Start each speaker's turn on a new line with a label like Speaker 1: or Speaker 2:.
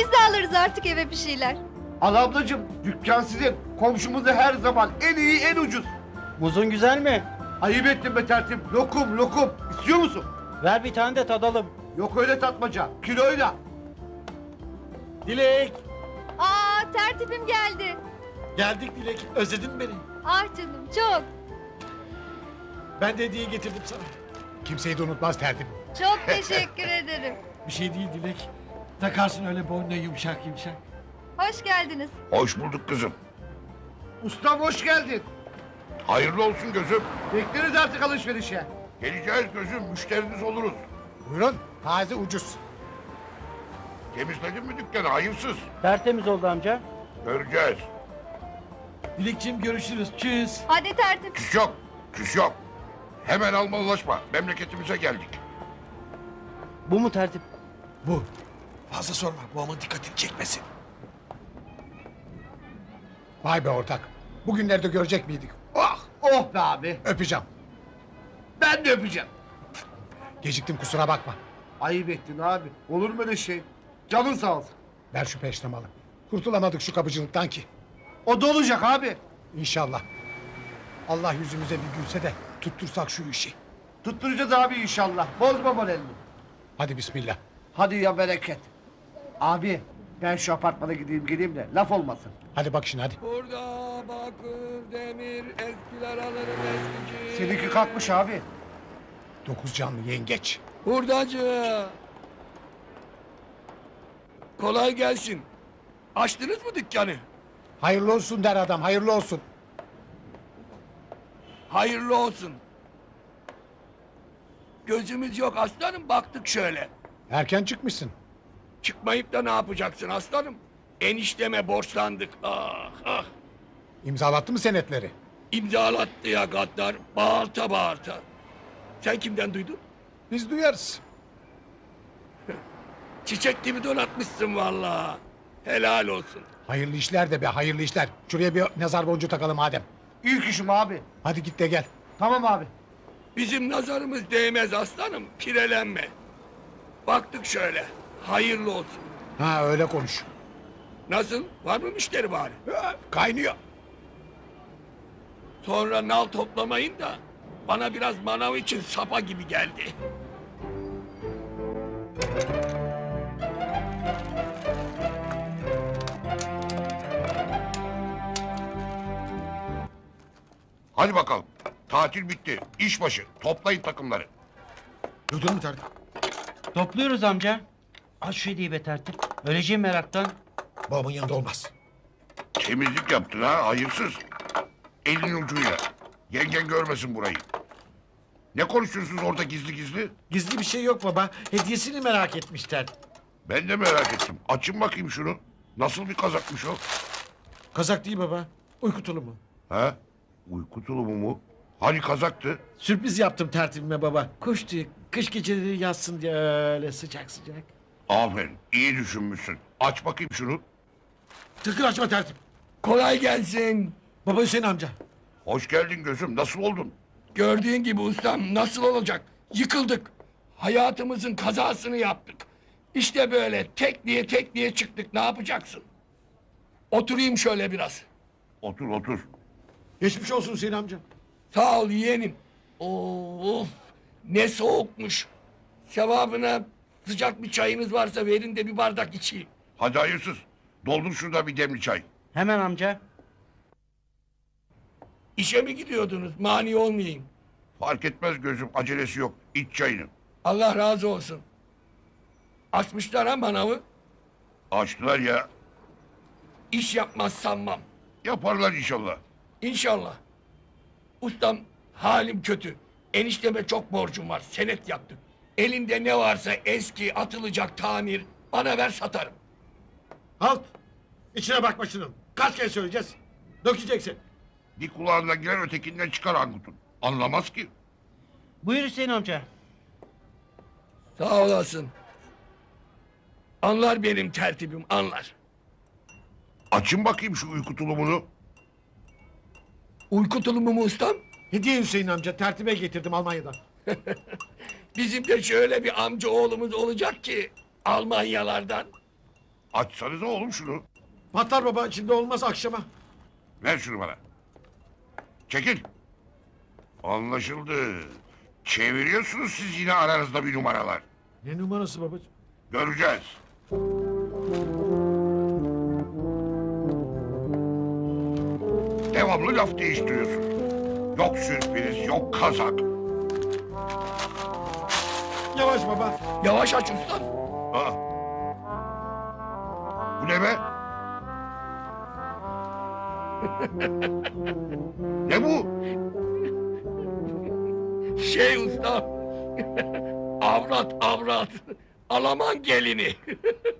Speaker 1: Biz de alırız artık eve bir şeyler.
Speaker 2: Al ablacığım, dükkan sizin. Komşumuz da her zaman en iyi, en ucuz.
Speaker 3: Muzun güzel mi?
Speaker 2: Ayıp ettin be tertip. Lokum, lokum. İstiyor musun?
Speaker 3: Ver bir tane de tadalım.
Speaker 2: Yok öyle tatmaca. Kiloyla.
Speaker 4: Dilek.
Speaker 1: Aa, tertibim geldi.
Speaker 4: Geldik Dilek. Özledin mi beni?
Speaker 1: Ah canım, çok.
Speaker 4: Ben de hediye getirdim sana. Kimseyi de unutmaz tertip.
Speaker 1: Çok teşekkür ederim.
Speaker 4: Bir şey değil Dilek. Takarsın öyle boynuna yumuşak yumuşak.
Speaker 1: Hoş geldiniz.
Speaker 5: Hoş bulduk kızım.
Speaker 2: Ustam hoş geldin.
Speaker 5: Hayırlı olsun gözüm.
Speaker 2: Bekleriz artık alışverişe.
Speaker 5: Geleceğiz gözüm, müşteriniz oluruz.
Speaker 4: Buyurun. Taze ucuz.
Speaker 5: Temizledin mi dükkanı hayırsız?
Speaker 3: Tertemiz oldu amca.
Speaker 5: Göreceğiz.
Speaker 4: Dilekçim görüşürüz. Çüz.
Speaker 1: Hadi tertip.
Speaker 5: Küs yok, küs yok. Hemen almalılaşma. Memleketimize geldik.
Speaker 3: Bu mu tertip?
Speaker 4: Bu. Fazla sorma. Bu ama dikkatini çekmesin. Vay be ortak. Bugünlerde görecek miydik?
Speaker 2: Oh, oh be abi.
Speaker 4: Öpeceğim.
Speaker 2: Ben de öpeceğim.
Speaker 4: Geciktim kusura bakma.
Speaker 2: Ayıp ettin abi. Olur mu öyle şey? Canın sağ olsun.
Speaker 4: Ver şu peştemalı. Kurtulamadık şu kapıcılıktan ki.
Speaker 2: O da olacak abi.
Speaker 4: İnşallah. Allah yüzümüze bir gülse de tuttursak şu işi.
Speaker 2: Tutturacağız abi inşallah. Bozma moralini.
Speaker 4: Hadi bismillah.
Speaker 2: Hadi ya bereket. Abi ben şu apartmana gideyim geleyim de laf olmasın.
Speaker 4: Hadi bak şimdi hadi.
Speaker 6: Burada bakır, demir, eskiler alırım eskici.
Speaker 2: Seninki kalkmış abi.
Speaker 4: 9 canlı yengeç.
Speaker 6: Hurdacı. Kolay gelsin. Açtınız mı dükkanı?
Speaker 4: Hayırlı olsun der adam hayırlı olsun.
Speaker 6: Hayırlı olsun. Gözümüz yok aslanım, baktık şöyle.
Speaker 4: Erken çıkmışsın.
Speaker 6: Çıkmayıp da ne yapacaksın aslanım? Enişteme borçlandık. Ah ah.
Speaker 4: İmzalattı mı senetleri?
Speaker 6: İmzalattı ya gaddar. Bağırta bağırta. Sen kimden duydun?
Speaker 4: Biz duyarız.
Speaker 6: Çiçek gibi donatmışsın vallahi. Helal olsun.
Speaker 4: Hayırlı işler de be hayırlı işler. Şuraya bir nazar boncuğu takalım Adem.
Speaker 2: İlk işim abi.
Speaker 4: Hadi git de gel.
Speaker 2: Tamam abi.
Speaker 6: Bizim nazarımız değmez aslanım. Pirelenme. Baktık şöyle. Hayırlı olsun.
Speaker 4: Ha öyle konuş.
Speaker 6: Nasıl? Var mı müşteri bari?
Speaker 4: Kaynıyor.
Speaker 6: Sonra nal toplamayın da bana biraz manav için sapa gibi geldi.
Speaker 5: Hadi bakalım. Tatil bitti. İş başı. Toplayın takımları.
Speaker 4: Duydun mu tertip?
Speaker 3: Topluyoruz amca. Aç şu hediyeyi be tertip. Öleceğim meraktan.
Speaker 4: Babamın yanında olmaz.
Speaker 5: Temizlik yaptın ha hayırsız. Elin ucuyla. Yengen görmesin burayı. Ne konuşuyorsunuz orada gizli gizli?
Speaker 7: Gizli bir şey yok baba. Hediyesini merak etmişler.
Speaker 5: Ben de merak ettim. Açın bakayım şunu. Nasıl bir kazakmış o?
Speaker 7: Kazak değil baba. Uyku tulumu.
Speaker 5: Ha? Uyku tulumu mu? Hani kazaktı?
Speaker 7: Sürpriz yaptım tertibime baba. Kuş tüyü kış geceleri yatsın diye öyle sıcak sıcak.
Speaker 5: Aferin. İyi düşünmüşsün. Aç bakayım şunu.
Speaker 7: Tıkır açma tertip.
Speaker 6: Kolay gelsin.
Speaker 7: Baba Hüseyin amca.
Speaker 5: Hoş geldin gözüm. Nasıl oldun?
Speaker 6: Gördüğün gibi ustam nasıl olacak? Yıkıldık. Hayatımızın kazasını yaptık. İşte böyle tek diye çıktık. Ne yapacaksın? Oturayım şöyle biraz.
Speaker 5: Otur otur.
Speaker 7: Geçmiş olsun Hüseyin amca.
Speaker 6: Sağ ol yeğenim. Of ne soğukmuş. Sevabına sıcak bir çayınız varsa verin de bir bardak içeyim.
Speaker 5: Hadi hayırsız. Doldur şurada bir demli çay.
Speaker 3: Hemen amca.
Speaker 6: İşe mi gidiyordunuz? Mani olmayayım.
Speaker 5: Fark etmez gözüm. Acelesi yok. İç çayını.
Speaker 6: Allah razı olsun. Açmışlar ha manavı.
Speaker 5: Açtılar ya.
Speaker 6: İş yapmaz sanmam.
Speaker 5: Yaparlar inşallah.
Speaker 6: İnşallah. Ustam halim kötü. Enişteme çok borcum var. Senet yaptık. Elinde ne varsa eski atılacak tamir bana ver satarım.
Speaker 7: Halt. İçine bakma şunun. Kaç kere söyleyeceğiz? Dökeceksin.
Speaker 5: Bir kulağına girer ötekinden çıkar Angut'un. Anlamaz ki.
Speaker 3: Buyur Hüseyin amca.
Speaker 6: Sağ olasın. Anlar benim tertibim anlar.
Speaker 5: Açın bakayım şu uyku tulumunu.
Speaker 6: Uyku tulumu mu ustam?
Speaker 7: Hediye Hüseyin amca tertibe getirdim Almanya'dan.
Speaker 6: Bizim de şöyle bir amca oğlumuz olacak ki Almanyalardan.
Speaker 5: Açsanıza oğlum şunu.
Speaker 7: Patlar baba şimdi olmaz akşama.
Speaker 5: Ver şunu bana. Çekil. Anlaşıldı. Çeviriyorsunuz siz yine aranızda bir numaralar.
Speaker 7: Ne numarası babacığım?
Speaker 5: Göreceğiz. Devamlı laf değiştiriyorsun. Yok sürpriz, yok kazak.
Speaker 7: Yavaş baba.
Speaker 6: Yavaş aç ustam.
Speaker 5: Aa. Bu ne be? Ne bu?
Speaker 6: Şey ustam. Avrat avrat. Alaman gelini.